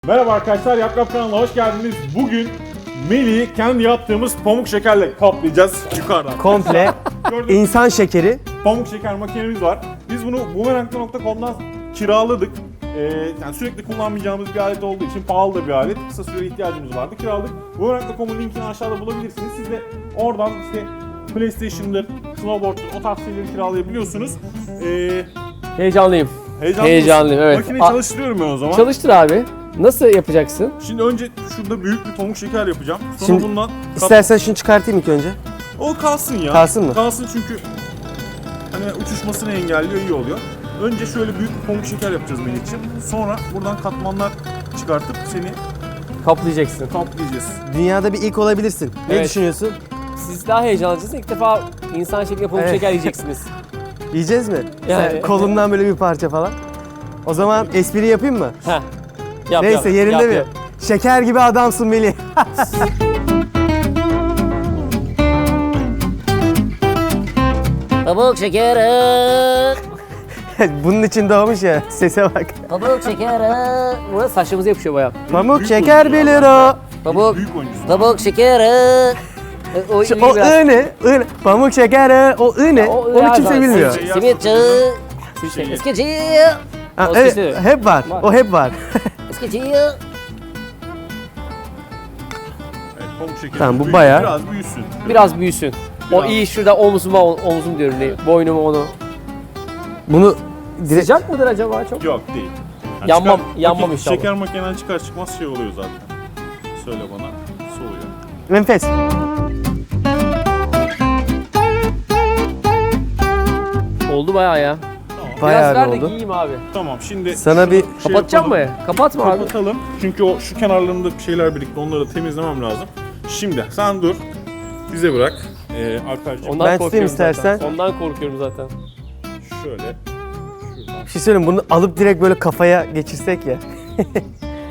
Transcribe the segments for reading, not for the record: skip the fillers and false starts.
Merhaba arkadaşlar, Yap Yap kanalına hoş geldiniz. Bugün Melih'i kendi yaptığımız pamuk şekerle kaplayacağız yukarıdan. Komple Gördüğünüz insan şekeri. pamuk şeker makinemiz var. Biz bunu boomerang.com'dan kiraladık. Yani sürekli kullanmayacağımız bir alet olduğu için pahalı da bir alet. Kısa süre ihtiyacımız vardı, kiraladık. Boomerang.com'un linkini aşağıda bulabilirsiniz. Siz de oradan işte PlayStation'dır, snowboard'dur, o tarz şeyleri kiralayabiliyorsunuz. Heyecanlıyım. Heyecanlıyım, evet. Makineyi çalıştırıyorum ben o zaman. Çalıştır abi. Nasıl yapacaksın? Şimdi önce şurada büyük bir pamuk şeker yapacağım. Sonra Şimdi bundan İstersen şunu çıkartayım ilk önce. o kalsın ya. Kalsın mı? Kalsın çünkü hani uçuşmasını engelliyor, iyi oluyor. Önce şöyle büyük bir pamuk şeker yapacağız Melih'ciğim. Sonra buradan katmanlar çıkartıp seni Kaplayacaksın. kaplayacağız. Dünyada bir ilk olabilirsin. Ne Evet. düşünüyorsun? Siz daha heyecanlısınız. İlk defa insan şeklinde pamuk Evet. şeker yiyeceksiniz. Yiyeceğiz mi? Yani- Sen kolumdan böyle bir parça falan. O zaman espri yapayım mı? Heh. Yap, Neyse yap, yerinde yap, mi? yap. Şeker gibi adamsın Melih. Pamuk şekeri, Bunun için doğmuş ya. Sese bak. pamuk şekeri, Buna saçlarımıza yapışıyor bayağı. Pamuk Büyük şeker oyuncu 1 ya. lira. pamuk, Büyük oyuncusun. pamuk şekeri. O Şu, iyi o biraz. ı ne? I, pamuk şekeri. O ı ne? O ı Onu her kimse zaman. bilmiyor. Şey Simitçi, Şeyi. eskici, Ha, O evet, sesi. hep var. Var. O hep var. eskici. Evet, pamuk şekeri. Tamam, bu Büyük- bayağı. Biraz büyüsün. Biraz büyüsün. O Biraz. iyi şurada omzum diyorum. Boynumu onu. Bunu direkt... Sıcak mıdır acaba çok? Yok değil. Yanmam inşallah. Şeker makineden çıkar çıkmaz şey oluyor zaten. Söyle bana, soğuyor. Enfes. Oldu bayağı ya. Bayağı Biraz ver de oldu. giyeyim abi. Tamam, şimdi Sana şunu bir- Kapatacağım mı? yapalım. Kapatma abi. Kapatalım. Çünkü o şu kenarlarında bir şeyler birikti. Onları da temizlemem lazım. Şimdi sen dur. Bize bırak. Alperciğim Ondan Ben tutayım korkuyorum istersen. Zaten. Ondan korkuyorum zaten. şöyle. Şuradan. Bir şey söyleyeyim, bunu alıp direkt böyle kafaya geçirsek ya. Evet,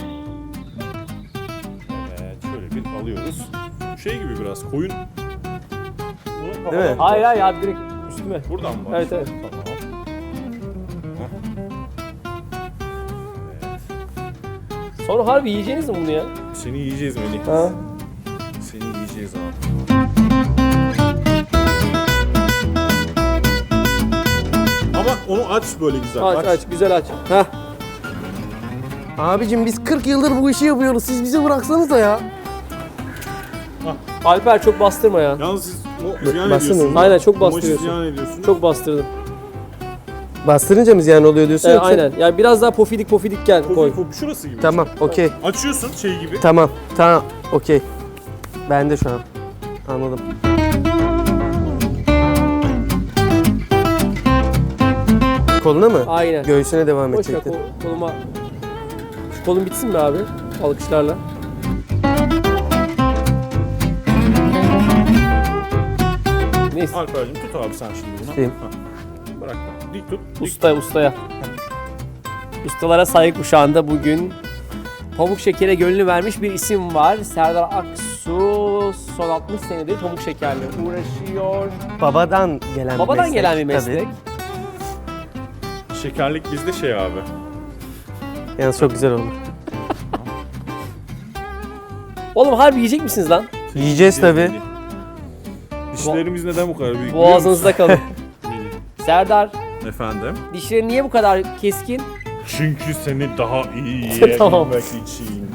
şöyle bir alıyoruz. Şey gibi biraz koyun. Bunu Değil mi? Hayır hayır abi direkt üstüme. Buradan mı? Evet, evet. Tamam. Sonra harbi yiyeceğiniz mi bunu ya? Seni yiyeceğiz Melih. Ha? Seni yiyeceğiz abi. Ama onu aç böyle güzel. Aç güzel aç. Heh. Abicim biz 40 yıldır bu işi yapıyoruz. Siz bizi bıraksanız da ya. Alper çok bastırma ya. Yalnız siz o ziyan Bastın ediyorsunuz. mı? Aynen, çok Bu maçı bastırıyorsun. ziyan ediyorsunuz. Çok bastırdım. Bastırınca mı ziyan oluyor diyorsun yoksa? Aynen. Yani biraz daha pofidik gel koy. Şurası gibi. Tamam, okey. Açıyorsun şey gibi. Tamam, okey. Ben de şu an. Anladım. Koluna mı? Aynen. Göğsüne devam Boş ver edecektin. koluma. Şu kolum bitsin mi abi? Alkışlarla. Neyse. Alper'cim tut abi sen şimdi bunu. Tutayım. Ha. Bırak. Dik tut. Dik. Ustaya. Ustalara saygı kuşağında bugün pamuk şekere gönlünü vermiş bir isim var. Serdar Aksu son 60 senedir pamuk şekerle uğraşıyor. Babadan gelen bir Babadan meslek. gelen bir meslek. Tabii. Şekerlik bizde şey abi. Yalnız çok güzel olur. Oğlum harbi yiyecek misiniz lan? Yiyeceğiz tabii. Dişlerimiz neden bu kadar büyük? Boğazınızda kalın. biliyor musun? Serdar, Efendim? dişlerin niye bu kadar keskin? Çünkü seni daha iyi Tamam. yiyebilmek için.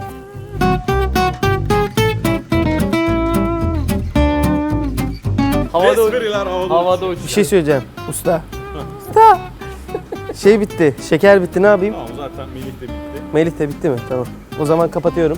Havada Espriler havada. havada Bir şey söyleyeceğim. Usta. Usta. Şey bitti. Şeker bitti. Ne yapayım? Tamam, zaten Melih de bitti. Melih de bitti mi? Tamam. O zaman kapatıyorum.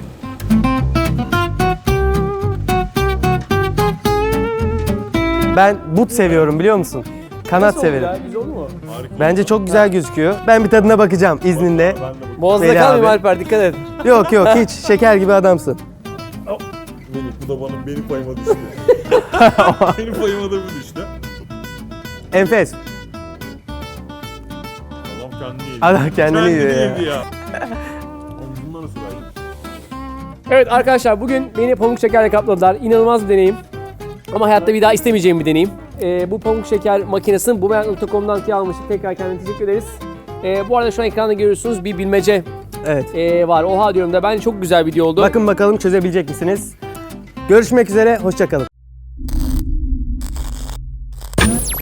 Ben but seviyorum, biliyor musun? Kanat Nasıl oldu severim. ya? Güzel oldu mu? Harika. Bence çok güzel gözüküyor. Ben bir tadına bakacağım izninle. Ben de Boğazında Veli kalmayayım abi. Alper, dikkat et. Yok hiç şeker gibi adamsın. Melih bu da benim payıma düştü. benim payıma da bu düştü. Enfes. Adam kendini yedi. Adam kendini yiyor ya. yedi ya. Bundan nasıl verdim? Evet arkadaşlar, bugün beni pamuk şekerle kapladılar. İnanılmaz bir deneyim. Ama hayatta bir daha istemeyeceğim bir deneyim. Bu pamuk şeker makinesini boomerang.com'dan almıştık. Tekrar kendine teşekkür ederiz. Bu arada şu an ekranda görüyorsunuz bir bilmece Evet. var. Oha diyorum da bence çok güzel video oldu. Bakın bakalım çözebilecek misiniz? Görüşmek üzere, hoşça kalın.